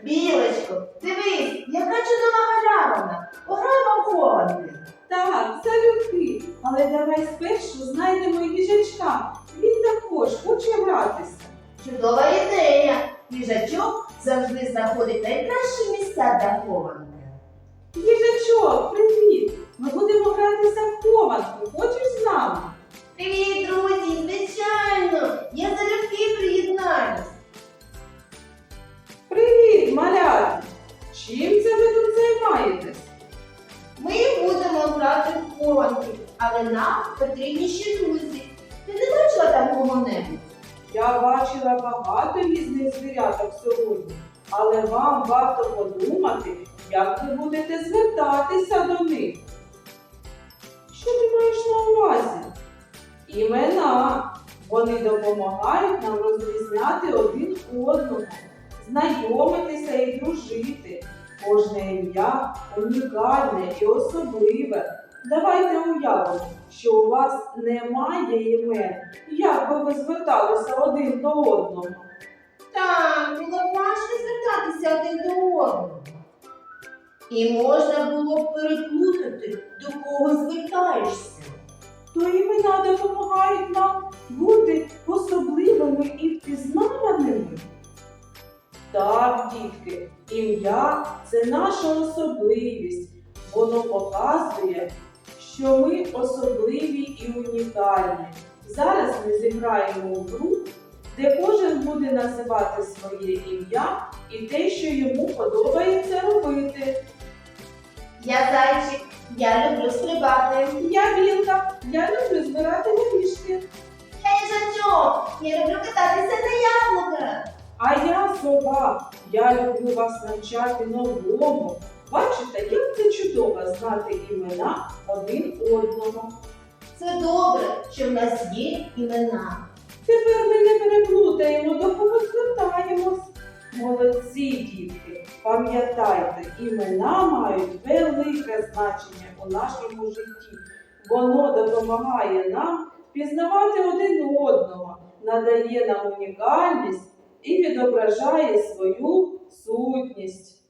Білочко, дивись, яка чудова галявина. Пограємо в хованки. Так, залюбки. Але давай спершу знайдемо і їжачка. Він також хоче гратися. Чудова ідея. Їжачок завжди знаходить найкращі місця для хованки. Їжачок, привіт! Ми будемо гратися в хованку. Хочеш з нами? Привіт, друзі! Звичайно! Я залюбки приєднаюсь. Привіт, малята! Чим це ви тут займаєтесь? Ми будемо грати в хованки, але нам потрібні ще друзі. Ти не бачила там кого-небудь? Я бачила багато різних звіряток сьогодні, але вам варто подумати, як ви будете звертатися до них. Що ти маєш на увазі? Імена. Вони допомагають нам розрізняти один одного, знайомитися і дружити. Кожне ім'я унікальне і особливе. Давайте уявимо, що у вас немає імен. Як би ви зверталися один до одного? Так, було б важко звертатися один до одного. І можна було б переплутати, до кого звертаєшся. То імена допомагають нам бути особливими і впізнаваними. Так, дітки, ім'я – це наша особливість. Воно показує, що ми особливі і унікальні. Зараз ми зіграємо у гру, де кожен буде називати своє ім'я і те, що йому подобається робити. Я зайчик, я люблю стрибати. Я білка, я люблю збирати горішки. Я їжачок, я люблю кататися на яблуках. А я сова, я люблю вас навчати новому. Бачите, як це чудово знати імена один одного. Це добре, що в нас є імена. Тепер ми не переплутаємо, до кого звертаємось. Молодці, дітки, пам'ятайте, імена мають велике значення у нашому житті. Воно допомагає нам пізнавати один одного, надає нам унікальність і відображає свою сутність.